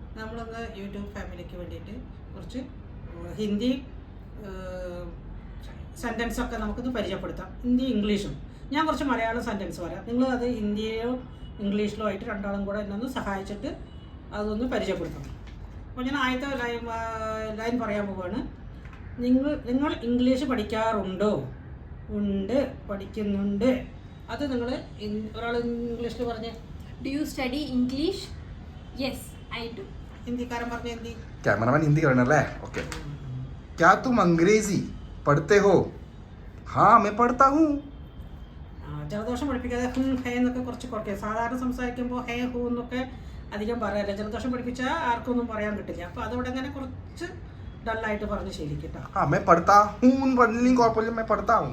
നമ്മളൊന്ന് യൂട്യൂബ് ഫാമിലിക്ക് വേണ്ടിയിട്ട് കുറച്ച് ഹിന്ദി സെൻറ്റൻസൊക്കെ നമുക്കൊന്ന് പരിചയപ്പെടുത്താം. ഹിന്ദി ഇംഗ്ലീഷും ഞാൻ കുറച്ച് മലയാളം സെൻറ്റൻസ് പറയാം. നിങ്ങൾ അത് ഹിന്ദിയോ ഇംഗ്ലീഷിലോ ആയിട്ട് രണ്ടാളും കൂടെ എന്നെ ഒന്ന് സഹായിച്ചിട്ട് അതൊന്ന് പരിചയപ്പെടുത്തണം. അപ്പോൾ ഞാൻ ആദ്യത്തെ ലൈൻ പറയാൻ പോവുകയാണ്. നിങ്ങൾ ഇംഗ്ലീഷ് പഠിക്കാറുണ്ടോ? ഉണ്ട്, പഠിക്കുന്നുണ്ട്. അത് നിങ്ങൾ ഒരാൾ ഇംഗ്ലീഷിൽ പറഞ്ഞ് do you study English? Yes I do. ഹിന്ദിക്കാരൻ പറഞ്ഞ ഹിന്ദി. कैमरामैन हिंदी करना है. ओके. क्या तुम अंग्रेजी पढ़ते हो? हाँ मैं पढ़ता हूँ. ജലദോഷം പഠിപ്പിക്കാതെ ഹേ എന്നൊക്കെ കുറച്ച് കുറയ്ക്കുക. സാധാരണ സംസാരിക്കുമ്പോൾ ഹേ ഹൂ എന്നൊക്കെ അധികം പറയാറില്ല. ജലദോഷം പഠിപ്പിച്ചാൽ ആർക്കൊന്നും പറയാൻ കിട്ടില്ല. അപ്പോൾ അതോടെ അങ്ങനെ കുറച്ച് ഡള്ളായിട്ട് പറഞ്ഞ് ശീലിക്കട്ടോ. हाँ मैं पढ़ता हूँ पढ़ने को मैं पढ़ता हूँ.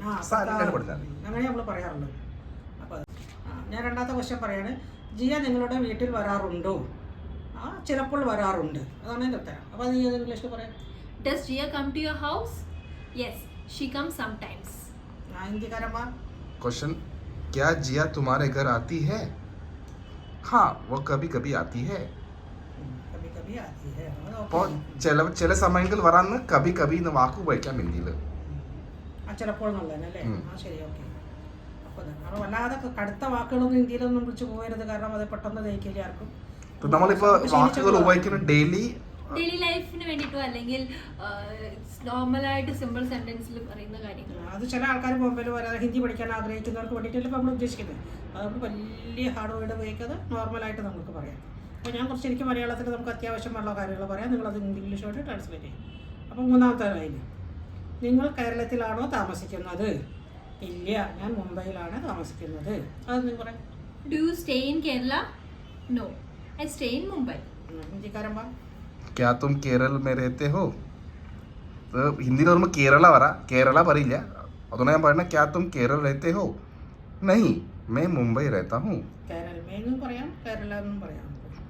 അങ്ങനെ നമ്മൾ പറയാറുള്ളത്. അപ്പോൾ ഞാൻ രണ്ടാമത്തെ ക്വസ്റ്റ്യൻ പറയാണ്. ജിയ നിങ്ങളുടെ വീട്ടിൽ വരാറുണ്ടോ? ചിലപ്പോൾ വരാറുണ്ട്. അതാണ് എൻ്റെ ഉത്തരം. അപ്പോൾ അത് ഇംഗ്ലീഷിൽ പറയാം. Does Jia come to your house? Yes, she comes sometimes. ഹിന്ദിക്കാരൻ പറ. क्वेश्चन, क्या जिया तुम्हारे घर आती है? हाँ वो कभी कभी आती है. കഭി കഭി ആതി ഹൈ. അപ്പോൾ ചില സമയങ്ങളിൽ വരാന്ന് കഭി കഭി എന്ന് വാക്ക് ഉപയോഗിക്കാം ഹിന്ദിയിൽ. ചിലപ്പോൾ എന്നുള്ളതല്ലേ? ശരി, ഓക്കെ. അപ്പോൾ വല്ലാതെ കടുത്ത വാക്കുകളൊന്നും ഹിന്ദിയിലൊന്നും വിളിച്ച് പോകരുത്. കാരണം അത് പെട്ടെന്ന് ദഹിക്കില്ല ആർക്കും. നമ്മളിപ്പോൾ വാക്കുകൾ ഉപയോഗിക്കുന്ന ഡെയിലി ലൈഫിന് വേണ്ടിയിട്ടോ അല്ലെങ്കിൽ നോർമലായിട്ട് സിമ്പിൾ സെന്റൻസിൽ പറയുന്ന കാര്യങ്ങൾ. അത് ചില ആൾക്കാർ ബോംബെയിൽ വരാതെ ഹിന്ദി പഠിക്കാൻ ആഗ്രഹിക്കുന്നവർക്ക് വേണ്ടിയിട്ടല്ലേ ഇപ്പോൾ നമ്മൾ ഉദ്ദേശിക്കുന്നത്. അതുകൊണ്ട് വലിയ ഹാർഡ് വേർഡ് ഉപയോഗിക്കാതെ നോർമലായിട്ട് നമുക്ക് പറയാം. അപ്പോൾ ഞാൻ കുറച്ച് എനിക്ക് മലയാളത്തിൽ നമുക്ക് അത്യാവശ്യമുള്ള കാര്യങ്ങൾ പറയാം. നിങ്ങളത് ഇംഗ്ലീഷോട്ട് ട്രാൻസ്ലേറ്റ് ചെയ്യും. അപ്പോൾ മൂന്നാമത്തെ ലൈൻ, നിങ്ങൾ കേരളത്തിലാണോ താമസിക്കുന്നത്? ഇല്ല, ഞാൻ മുംബൈയിലാണ് താമസിക്കുന്നത്. അത് നിങ്ങൾ പറയാം. Do you stay in Kerala? No, I stay in Mumbai. ഹിന്ദിക്കാരൻ പറ. क्या तुम केरल में रहते हो? तो ഹിന്ദിയിൽ പറയുമ്പോൾ കേരള കേരള പറയില്ല. അതുകൊണ്ട് ഞാൻ പറയുന്നത് क्या तुम केरल रहते हो? नहीं मैं मुंबई रहता हूँ. കേരള എന്നും പറയാം, കേരള എന്നും പറയാം.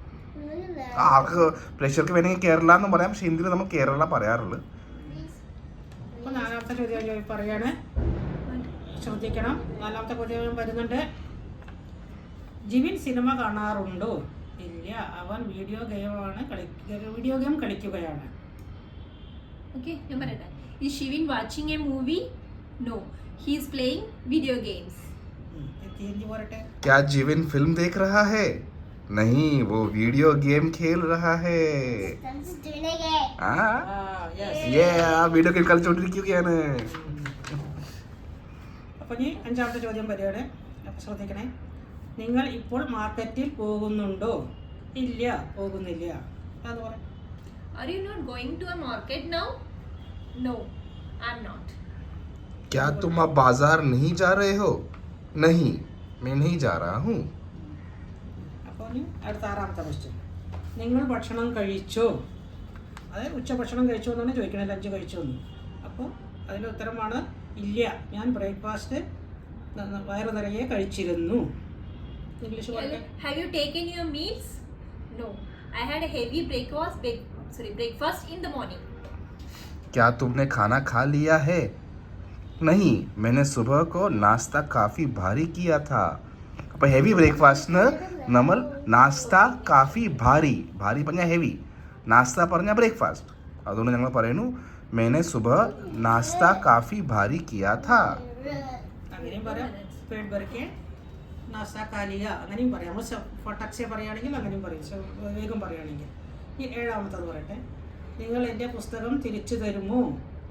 ആൾക്ക് പ്രേക്ഷകർക്ക് വേണമെങ്കിൽ കേരള എന്നും പറയാം. പക്ഷെ ഹിന്ദിയിൽ നമ്മൾ കേരള പറയാറുള്ളത്. അപ്പോൾ നാലാമത്തെ ചോദ്യം പറയാണ്. ശ്രദ്ധിക്കണം. നാലാമത്തെ ചോദ്യം വരുന്നുണ്ട്. ജിവിൻ സിനിമ കാണാറുണ്ടോ? ഇല്ല, അവൻ വീഡിയോ ഗെയിം കളിക്കുകയാണ്. ഓക്കെ, ഞാൻ പറയട്ടെ. Is Shivin watching a movie? No, he is playing video games. Hindi പോരട്ടെ. क्या जीवन फिल्म देख रहा है? नहीं वो वीडियो गेम खेल रहा है. വീഡിയോ ഗെയിം കളിച്ചോണ്ടിരിക്കുകയാണ്. അപ്പോൾ ഇനി അഞ്ചാമത്തെ ചോദ്യം വരികയാണ്. അപ്പോൾ ശ്രദ്ധിക്കണേ. നിങ്ങൾ ഇപ്പോൾ മാർക്കറ്റിൽ പോകുന്നുണ്ടോ? ഇല്ല, പോകുന്നില്ല. അത് പറയാം. Are you not going to a market now? No, I'm not. क्या तुम अब बाजार नहीं जा रहे हो? नहीं मैं नहीं जा रहा हूँ. അപ്പോൾ അടുത്ത ആറാമത്തെ ക്വസ്റ്റ്യൻ, നിങ്ങൾ ഭക്ഷണം കഴിച്ചോ? അതായത് ഉച്ചഭക്ഷണം കഴിച്ചോ എന്നാണ് ചോദിക്കണത്. ലഞ്ച് കഴിച്ചോ എന്ന്. അപ്പോൾ അതിൻ്റെ ഉത്തരമാണ് ഇല്ല, ഞാൻ ബ്രേക്ക്ഫാസ്റ്റ് വയറു നിറയെ കഴിച്ചിരുന്നു. ഇംഗ്ലീഷ് പറയാം. Have you taken your meals? No, I had a heavy breakfast in the morning. क्या तुमने खाना खा लिया है? नहीं मैंने सुबह को नाश्ता काफ़ी भारी किया था. അപ്പോൾ ഹെവി ബ്രേക്ക്ഫാസ്റ്റിന് നമ്മൾ നാസ്ത കാഫി ഭാരി പറഞ്ഞാൽ ഹെവി, നാസ്ത പറഞ്ഞാൽ ബ്രേക്ക്ഫാസ്റ്റ്. അതുകൊണ്ട് ഞങ്ങൾ പറയുന്നു मैंने सुबह नाश्ता काफ़ी भारी किया था. അങ്ങനെയും പറയാം. പേട് ബർക്കെ നാസ്ത കാലിയ അങ്ങനെയും പറയാം. ഫട്ടക്സെ പറയുകയാണെങ്കിൽ അങ്ങനെയും പറയും, വേഗം പറയുകയാണെങ്കിൽ. ഈ ഏഴാമത്തത് പറയട്ടെ. നിങ്ങൾ എൻ്റെ പുസ്തകം തിരിച്ചു തരുമോ?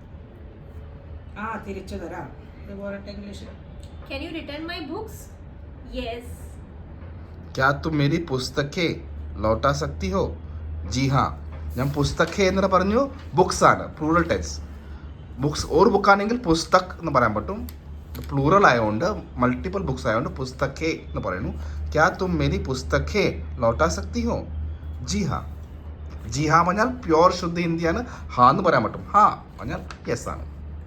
തിരിച്ചു തരാം. ഇത് പോരട്ടെ English. Can you return my books? Yes. क्या तुम मेरी पुस्तकें लौटा सकती हो? जी हाँ. ഞാൻ പുസ്തകെ എന്ന് പറഞ്ഞു, ബുക്സ് ആണ് പ്ലൂറൽ ടെൻസ്. ബുക്സ് ഒരു ബുക്കാണെങ്കിൽ പുസ്തക് എന്ന് പറയാൻ പറ്റും. പ്ലൂറൽ ആയതുകൊണ്ട് മൾട്ടിപ്പിൾ ബുക്സ് ആയതുകൊണ്ട് പുസ്തകെ എന്ന് പറയുന്നു. ക്യാ തും മേരി പുസ്തകെ ലോട്ടാ സക്തി ഹോ? ജി ഹാ. ജി ഹാ പറഞ്ഞാൽ പ്യുവർ ശുദ്ധ ഹിന്ദിയാണ്. ഹാ എന്ന് പറയാൻ പറ്റും. ഹാ പറഞ്ഞാൽ യെസ് ആണ്.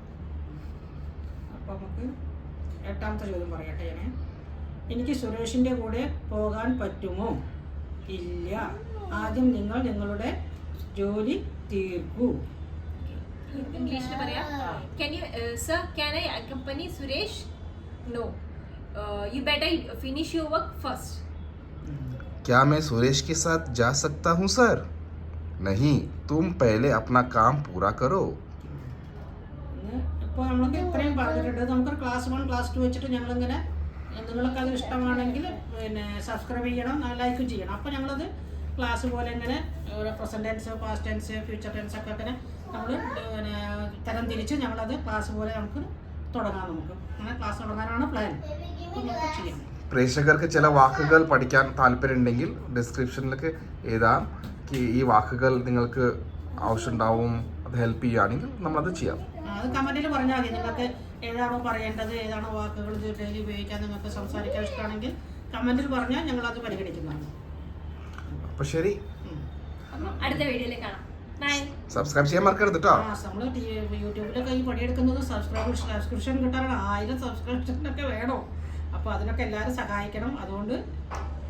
അപ്പോൾ നമുക്ക് എട്ടാമത്തെ ചോദ്യം പറയട്ടെ. എനിക്ക് സുരേഷിൻ്റെ കൂടെ പോകാൻ പറ്റുമോ? ഇല്ല, ആദ്യം നിങ്ങൾ നിങ്ങളുടെ ജോലി തീർക്കൂ. ഇംഗ്ലീഷിൽ പറയാം. Can you sir, can I accompany Suresh? No, you better finish your work first. क्या मैं सुरेश के साथ जा सकता हूँ सर? नहीं, तुम पहले अपना काम पूरा करो. ഇപ്പോൾ നമ്മൾക്ക് ഇത്രയും പറഞ്ഞിട്ടുണ്ട്. നമുക്ക് ക്ലാസ് 1 ക്ലാസ് 2 വെച്ചിട്ട് ഞങ്ങളിങ്ങനെ നിങ്ങൾക്ക് അത് ഇഷ്ടമാണെങ്കിൽ പിന്നെ സബ്സ്ക്രൈബ് ചെയ്യണം, ലൈക്കും ചെയ്യണം. അപ്പോൾ ഞങ്ങളത് ക്ലാസ് പോലെ ഇങ്ങനെ ഓരോ present tense, past tense, future tense ഒക്കെ ഇങ്ങനെ നമ്മൾ പിന്നെ തരം തിരിച്ച് ഞങ്ങളത് ക്ലാസ് പോലെ നമുക്ക് തുടങ്ങാം. നമുക്ക് അങ്ങനെ ക്ലാസ് തുടങ്ങാനാണ് പ്ലാൻ. അപ്പോൾ നമുക്ക് ചെയ്യാം. പ്രേക്ഷകർക്ക് ചില വാക്കുകൾ പഠിക്കാൻ താല്പര്യമുണ്ടെങ്കിൽ ഡിസ്ക്രിപ്ഷനിലേക്ക് എഴുതാം. ഈ വാക്കുകൾ നിങ്ങൾക്ക് ആവശ്യമുണ്ടാവും, അത് ഹെൽപ്പ് ചെയ്യുകയാണെങ്കിൽ നമ്മളത് ചെയ്യാം. അത് കമൻറ്റിൽ പറഞ്ഞാൽ മതി. നിങ്ങൾക്ക് ഏതാണോ പറയേണ്ടത്, ഏതാണോ വാക്കുകൾ ഡെയിലി ഉപയോഗിക്കാൻ നിങ്ങൾക്ക് സംസാരിക്കാൻ ഇഷ്ടമാണെങ്കിൽ കമൻറ്റിൽ പറഞ്ഞാൽ ഞങ്ങളത് പരിഗണിക്കുന്നതാണ്. അപ്പോൾ ശരി, അടുത്ത വീഡിയോയിൽ കാണാം. ബൈ. സബ്സ്ക്രൈബ് ചെയ്യാൻ മറക്കരുത് കേട്ടോ. നമ്മൾ യൂട്യൂബിലൊക്കെ ഈ പണിയെടുക്കുന്നത് സബ്സ്ക്രിപ്ഷൻ കിട്ടാനാണ്. 1000 സബ്സ്ക്രിപ്ഷനൊക്കെ വേണം. അപ്പോൾ അതിനൊക്കെ എല്ലാവരും സഹായിക്കണം. അതുകൊണ്ട്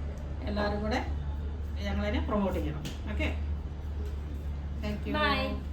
എല്ലാവരും കൂടെ ഞങ്ങളതിനെ പ്രൊമോട്ട് ചെയ്യണം. Okay, thank you. ബൈ.